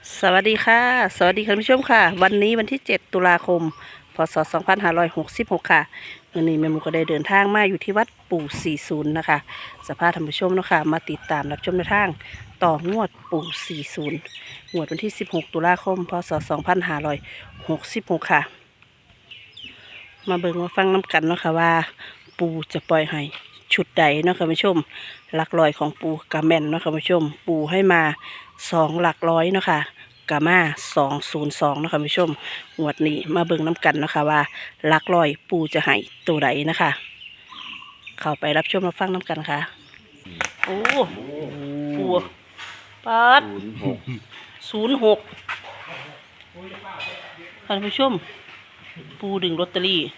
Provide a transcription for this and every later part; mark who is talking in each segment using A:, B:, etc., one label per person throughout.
A: สวัสดีค่ะสวัสดีคุณผู้ชมค่ะวันนี้วันที่7ตุลาคมพศ2566ค่ะวันนี้แม่หมูก็ได้เดินทางมาอยู่ที่วัดปู่40นะคะสภาพท่านผู้ชมเนาะค่ะมาติดตามรับชมในทางต่องวดปู่40งวดวันที่16ตุลาคมพศ2566ค่ะมาเบิ่งมาฟังน้ำกันเนาะค่ะว่าปู่จะปล่อยให้ชุดใดเนาะค่ะคุณผู้ชมหลักร้อยของปู่กะแม่นเนาะค่ะคุณผู้ชมปู่ให้มา2หลักร้อยเนาะค่ะ กามา202นะคะผู้ชมงวดนี้มาเบิ่งน้ำกันนะคะว่าหลักร้อยปูจะให้ตัวใดนะคะเข้าไปรับชมมาฟังน้ำกันค่ะโอ้ปูปัด06ท่านผู้ชมปูดึงลอตเตอรี่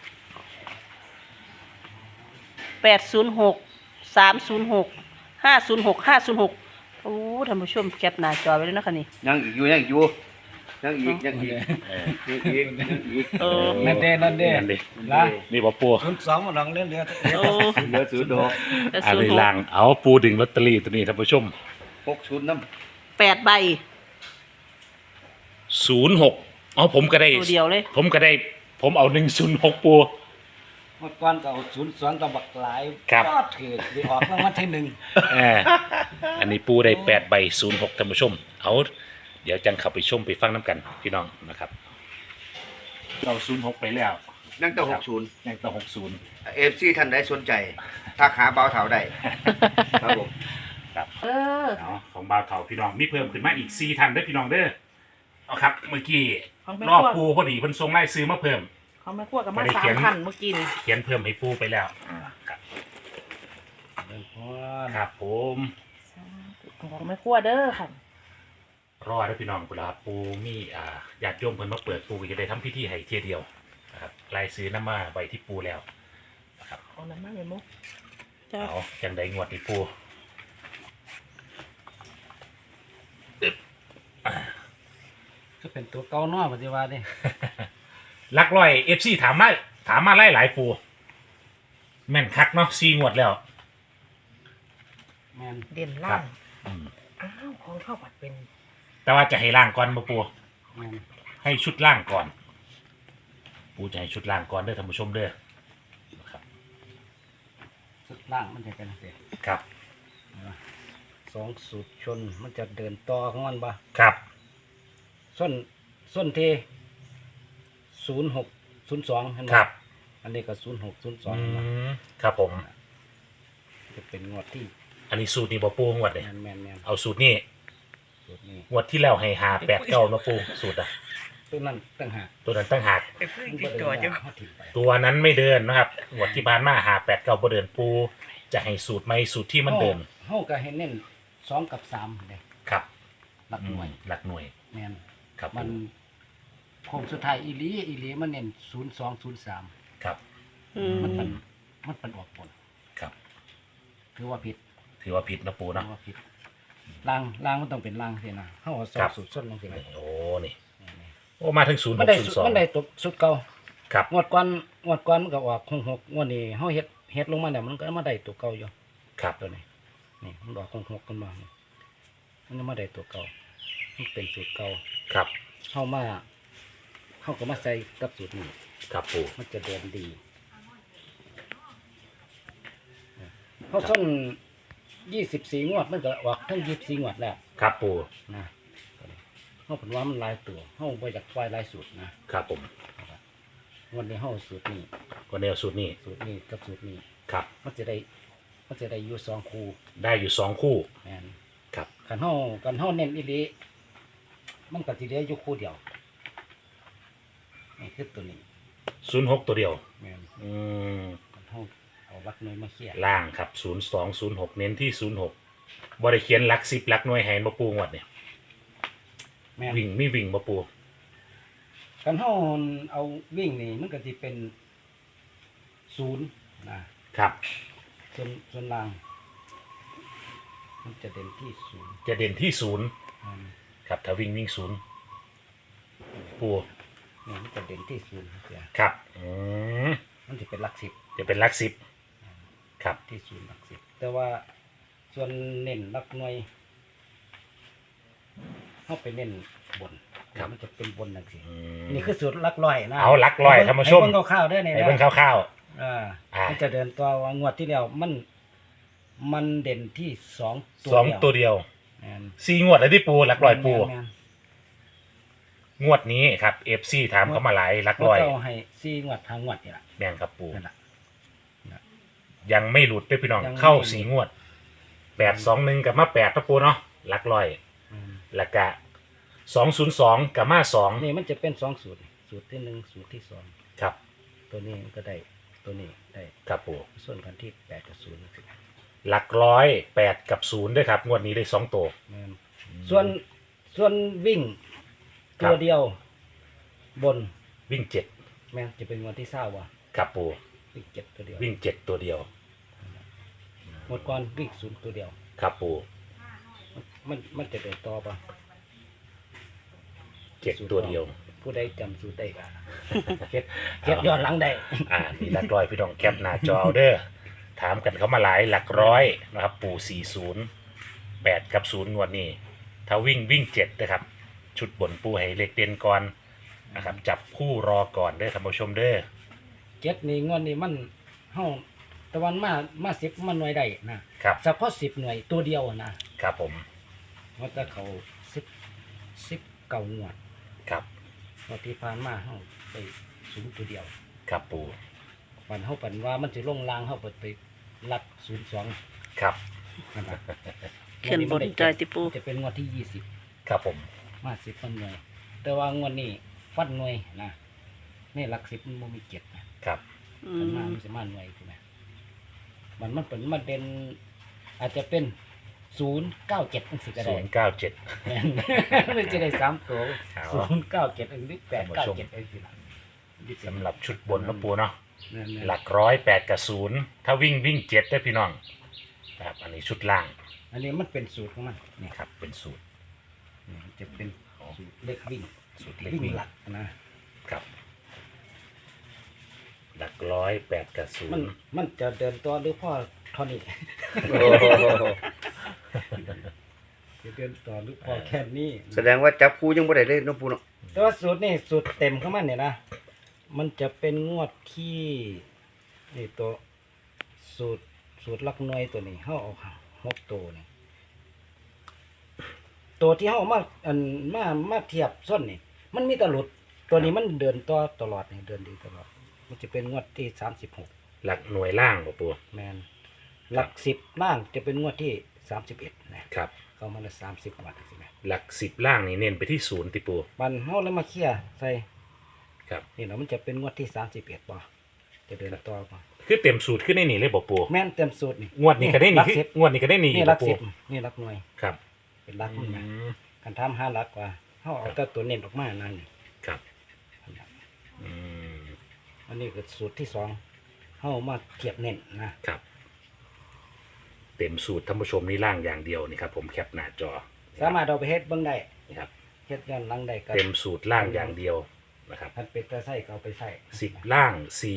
A: 806 306 506 โอ้ท่านผู้ชมแคปหน้าจอไว้เลยนะคะนี่
B: ยังอีกอยู่ยังอีกอยู่ยังอีกยังอีกยังอีกยังอีก
C: นั่นเด้ละ
D: นี่บ่ปู
C: 02มันลองเล่นเรือ
A: โอ้
B: เหลือศูนย์ดอก
D: อะไรล่างเอาปูดึงลอตเตอรี่ตัวนี้ท่านผู้ชม
B: 60น้
A: 8ใบ
D: 06อ๋อผมก็ได้
A: ตัวเดียวเลย
D: ผมก็ได้ผมเอา106ปู
C: เมื่อก่อนก็เอา02กับบักหลาย
D: ครับ
C: ก็ถือไปออกรางวัลที่1
D: เอออันนี้ปูได้8ใบ06ท่านผู้ชมเอาเดี๋ยวจังเข้าไปชมไปฟังน้ำกันพี่น้องนะครับเรา06ไปแล้ว
B: นั่งต่อ60
D: ยังต่อ60
B: FC ท่านใดสนใจทักหาเบาเถาได้ครับผม
D: ครับเนาะของบ่าวเฒ่าพี่น้องมีเพิ่มขึ้นมาอีก4ท่านเด้อพี่น้องเด้อเอาครับเมื่อกี้รอบปูพอดีเพิ่นส่งรายซื้อมาเพิ่ม
A: เขาไม่คั่วกับมา3,000เมื่อกี้นี่
D: เขียนเพิ่มให้ปูไปแล้วครับครับผม
A: ของไม่คั่วเด้อค่ะ
D: รอได้พี่น้องเวลาปูมีญาติโยมเพิ่นมาเปิดปูก็จะได้ทำพิธีให้เทียเดียวนะครับรายซื้อน้ำมาไว้ที่ปูแล้วนะครับ
A: เอาน้ำมาเลยมุก
D: เอาจังใดงวดนี่ปู
C: ก็เป็นตัวเก่าน้อยปฏิวัตินี่
D: ลักร้อยFC ถามมาหลายปูแม่นคักเนาะ4งวดแล้ว
C: แม่น
A: เด่นล่างอ้าวของเข้าปัดเป็น
D: แต่ว่าจะให้ล่างก่อนบ่ปู
C: แม่น
D: ให้ชุดล่างก่อนปูจะให้ชุดล่างก่อนเด้อท่านผู้ชมเด้อนะครับ
C: สุดล่างมันจะเป็นเสีย
D: ครับ
C: 2สูตรชนมันจะเดินต่อของมันบ่
D: ครับ
C: ส้นที่0602เห็นบ่
D: ครับ
C: อันนี้ก็0602เห็นบ่
D: ครับผม
C: จะเป็นงวดที่
D: อันนี้สูตรนี้บ่ปูงวดเลย
C: แม่น
D: เอาสูตรนี้
C: สูตรนี้
D: งวดที่แล้วให้589นะปูสูตรอ่ะ
C: ตัวนั้นต่างหาก
D: ตัวนั้นตั้งหาก
C: มันบ่ได้ยากเขาถิ่มไป
D: ตัวนั้นไม่เดินนะครับงวดที่ผ่านมา589บ่เดินปูจะให้สูตรใหม่สูตรที่มันเดิน
C: เฮาก็ให้เน้น2กับ3เด้
D: ครับ
C: หลักหน่วย
D: หลักหน่วย
C: แม่น
D: ครับ
C: มันโค้งสุดท้ายอีหลีมันเน้น0203
D: ครับ
C: มันเป็นออกบน
D: ครับ
C: ถือว่าผิด
D: ถือว่าผิดนะปู
C: ถื
D: เนาะ
C: อว่าผิดล่างมันต้องเป็นล่างสินะเฮาเอาสอบสุดส้นลงสิ
D: โอ้นี่โอ้มาถึง0
C: มัน
D: 6
C: ได้
D: 0
C: มันได้ตกสุดเก่า
D: 2ครับ
C: งวดก่อนมันก็ออก66งวดนี้เฮาเฮ็ดลงมาแล้วมันก็มาได้ตัวเก่าอยู่
D: ครับ
C: ตัวนี้นี่มันออก66กันมานี่มันยังมาได้ตัวเก่ามันเป็นสูตรเก่า
D: ครับ
C: เฮาก็มาใส่กับสูตรนี้
D: ครับปู
C: มันจะเดินดีเขาส้น24งวดมันก็ออกทั้ง24งวดแล้ว
D: ครับปู
C: นะเขาผลว่ามันหลายตัวเขาไปจากควายหลายสูตรนะครับ
D: ผม
C: วันนี้เขาสูตรนี้
D: ก็แนวสูตรนี้
C: กับสูตรนี้
D: ครับ
C: มันจะได้อยู่2คู่
D: ได้อยู่2คู่
C: แม่น
D: ครับ
C: คันเฮาเน้นอีหลีมันก็สิเหลืออยู่คู่เดียวนี่คือตัวนี้
D: 06ตัวเดียว
C: แม่น
D: อืม
C: คันเฮาเอาวัดหน่วยมาเขียน
D: ล่างครับ0206เน้นที่06บ่ได้เขียนหลัก10หลักหน่วยให้บ่ปูงวดเนี่ย
C: แม่น
D: วิ่งมีวิ่งบ่ปู
C: คันเฮาเอาวิ่งนี่มันก็สิเป็น0นะครับ ส่วนล่าง มันจะเด่นที่0
D: จะเด่นที่0
C: อืม
D: ครับถ้าวิ่ง0ปู
C: เนี่ยมันจะเด่นที่0เสีย
D: ครับ
C: มันจะเป็นหลักสิบ
D: จะเป็นหลัก10ครับ
C: ที่0หลักสิบแต่ว่าส่วนเน้นหลักหน่วยเขาไปเน้นบน
D: ครับ
C: มันจะเป็นบนจังซี่
D: อืม
C: นี่คือสูตรหลักร้อยนะ
D: เอาหลักร้อยท่านผู้ชม
C: ให้เบิ่งคร่าวๆเด้อนี่
D: ให้
C: นะ
D: เบิ่งคร่าว
C: อ่า
D: อ่ามั
C: มันจะเดินตัวว่างวดที่แล้วมันเด่นที่สอง
D: ๆสองตัวเดียว
C: แม่น
D: 4งวดแล้วที่ปูหลักร้อยปู
C: แม่น
D: งวดนี้ครับ FC ถามเขามาหลายหลัก
C: ๆ
D: ร้อย
C: มันก็ให้4งวดทางงวดนี่ล่ะ
D: แม่นครับปู
C: นั่นล่ะ
D: ยังไม่หลุดเด้อพี่น้อง
C: ยังไม่
D: เข้า
C: หลุด
D: 4งวด821กับมา8นะปูเนาะหลักร้อย
C: อืม
D: แล้วก็202กับมา2
C: นี่มันจะเป็น2สูตรนี่สูตรที่1สูตรที่2
D: ครับ
C: ตัวนี้มันก็ได้ตัวนี้ได้
D: ครับปู
C: ส่วนกันที่8กับ0นี่สิ
D: หลักร้อย8กับ0ด้วยครับงวดนี้ได้2ตัว
C: แม่นส่วนวิ่ง
D: ครั
C: ตั
D: บ
C: วเดียว บน
D: วิ่ง7
C: แม่นจะเป็นงวดที่20ว่ะ
D: ครับปู
C: วิ่ง7ตัวเดียว
D: วิ่ง7ตัวเดียว
C: หมดก่อนวิ่ง0ตัวเดียว
D: ครับปู
C: มันจะเดินต่อป่ะ
D: 7ตัวเดียว
C: ผู้ใดจำสูตรได้ก็ เก็บย้อนหลังได้
D: นี่หลักร้อยพี่น้องแคปหน้าจอเอาเด้อถามกันเขามาหลายหลักร้อยนะครับปู40 8กับ0งวดนี้ถ้าวิ่ง7นะครับชุดบนปูให้เล็กเด่นก่อนนะครับจับคู่รอก่อนเด้อท่านผู้ชมเด้อ
C: 7นี่งวดนี้มันเฮาตะวันมา10มันหน่วยได้นะครับ เฉพาะ10หน่วยตัวเดียวนะครับ
D: ผม
C: มันจะเขา10เก่างวด
D: ครับ
C: งวดที่ผ่านมาเฮาไป0ตัวเดียว
D: ครับปู
C: มันเฮาปันว่ามันสิลงลางเฮาไปลัด02
D: ครับ
C: นั่นน่ะ
A: ขึ้นบนจอยติปู
C: จะเป็นงวดที่20
D: ครับผม
C: มา10มันหน่วย แต่ว่างวดนี้ฟันหน่วยนะนี่หลัก10มันบ่มี7นะครับ
A: อื
C: มันมา
A: ม
C: มันสิมาหน่วยถูกไหมมันเป็นมันเป็นอาจจะเป็น097จังซี่ก็ได้
D: 097
C: แม่น มันจะได้3ตัว
D: เอา
C: 097อันนี้897อันนี้ล่ะ
D: สำหรับชุดบนนะปูเนาะ
C: นั่นๆ
D: หลักร้อย8กับ0ถ้าวิ่ง7ได้อพี่น้องครับอันนี้ชุดล่าง
C: อันนี้มันเป็นสูตรของมันนี่
D: ครับเป็นสูตร
C: นี่มันจะเป็นสูตรเล็กวิ่ง
D: สูตรเล็ก
C: วิ่ง
D: วิ่ง
C: หลักนะครับ
D: หลักร้อย8กับ
C: มันจะเดินตัวหรือพ่อเท่านี้
B: โอ้โห
C: จะเดินต่อหรือพอแค่นี้
B: แสดงว่าจับคู่ยังบ่ได้เลยเน้องปูเนาะ
C: แต่ว่าสูตรนี่สูตรเต็มของมันเนี่ยนะมันจะเป็นงวดที่นี่ตัวสูตรหลักหน่วยตัวนี้เขาเอา6ตัวนี่ตัวที่เขาเอามาเทียบส้นนี่มันมีแตหลุดตัวนี้มันเดินต่อตลอดนี่เดินดีตลอด มันจะเป็นงวดที่36
D: หลักหน่วยล่างบ่ปู
C: แมนหลัก10ล่างจะเป็นงวดที่31นะครับ เข้ามาละ30วันใช่ไหม
D: หลัก10ล่างนี่เน้นไปที่0ติปู
C: มันเฮาเลยมาเคลียร์ใส่
D: ครับ
C: นี่เนาะมันจะเป็นงวดที่31บ่จะเดินต่อบ่
D: คือเต็มสูตรขึ้นในนี่เลยบ่ปู
C: แม่นเต็มสูตรนี่
D: งวดนี้ก็ได้
C: หลั
D: นี่
C: ก
D: คือ
C: 10
D: งวดนี้ก็ได้นี่
C: นี่
D: บ่
C: หลัก
D: ปู
C: 10นี่หลักหน่วย
D: ครับ
C: เป็นหลัก
D: อื
C: มันนะ
D: ม
C: คันทำ5หลักว่าเฮาเอาแต่ตัวเน้นออกมานั่นนี่
D: ครับอืม
C: อันนี้คือสูตรที่2เฮามาเทียบเน้นนะครับ
D: เต็มสูตรท่านผู้ชมนี่ล่างอย่างเดียวนี่ครับผมแคปหน้าจอ
C: สามารถเอาไปเฮ็ดเบิ่งได้
D: นี่ครับ
C: เฮ็ดย้อนหลังได้ก็
D: เต็มสูตรล่างอย่างเดียวนะครับ
C: คันเป็นตาใส่ก็เอาไปใส่
D: 10ล่าง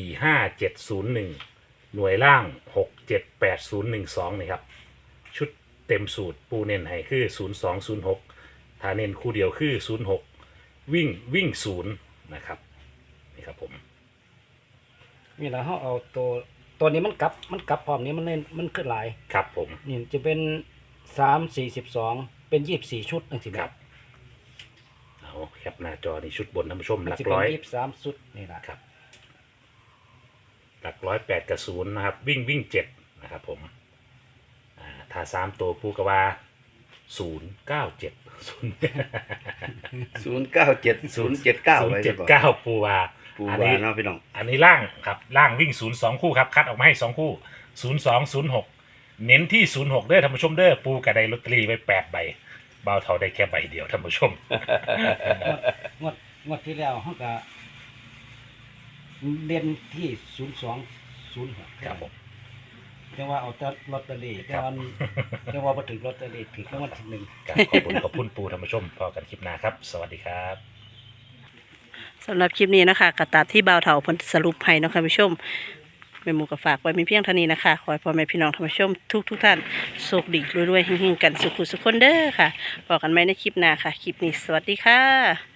D: 45701หน่วยล่าง6780112นี่ครับชุดเต็มสูตรปูเน้นให้คือ0206ถ้าเน้นคู่เดียวคือ06วิ่ง0นะครับนี่ครับผม
C: นี่ล่ะเฮาเอาตัวนี้มันกลับพร้อมนี้มันเล่นมันขึ้นหลาย
D: ครับผม
C: นี่จะเป็น3 42เป็น24ชุดจังซี่
D: ครับ เอาแคปหน้าจอนี่ชุดบนท่านผู้ชม
C: มัน
D: หลัก
C: สิเป็
D: ร้อย
C: น23ชุดนี่ล่ะ
D: ครับหลักร้อย8กับ0นะครับวิ่ง7นะครับผมถ้า3ตัวปูกว่า 097
B: 097 079ไว้สิบ่
D: 079ปูว่า
B: ปู
D: อัน
B: ว่า
D: นี้
B: เนาะพี่น้อง
D: อันนี้ล่างครับล่างวิ่ง02คู่ครับคัดออกมาให้2คู่0206เน้นที่06เด้อท่านผู้ชมเด้อปูกระไดลอตเตอรี่ไว้8ใบเบาเท่าได้แค่ใบเดียวท่านผู้ชม
C: งวดที่แล้วเฮาก็เรียนที่0206
D: ครับผม
C: จังว่าเอาแต่ลอตเตอรี่แต่ว่าจังว่าบ่ถึงลอตเตอรี่ถึงรางวัลที่1
D: ครับขอบคุณปูท่านผู้ชมพอกันคลิปหน้าครับ สวัสดีครับ
A: สำหรับคลิปนี้นะคะกระตามที่บ่าวเถาเพิ่นสรุปให้เนาะคะผู้ชมแม่หมูก็ฝากไว้มีเพียงเท่านี้นะคะขอให้พ่อแม่พี่น้องท่านผู้ชมทุกท่านโชคดีรวยๆเฮงๆกันสุขสุขคนเด้อค่ะบอกกันไหมในคลิปหน้าค่ะคลิปนี้สวัสดีค่ะ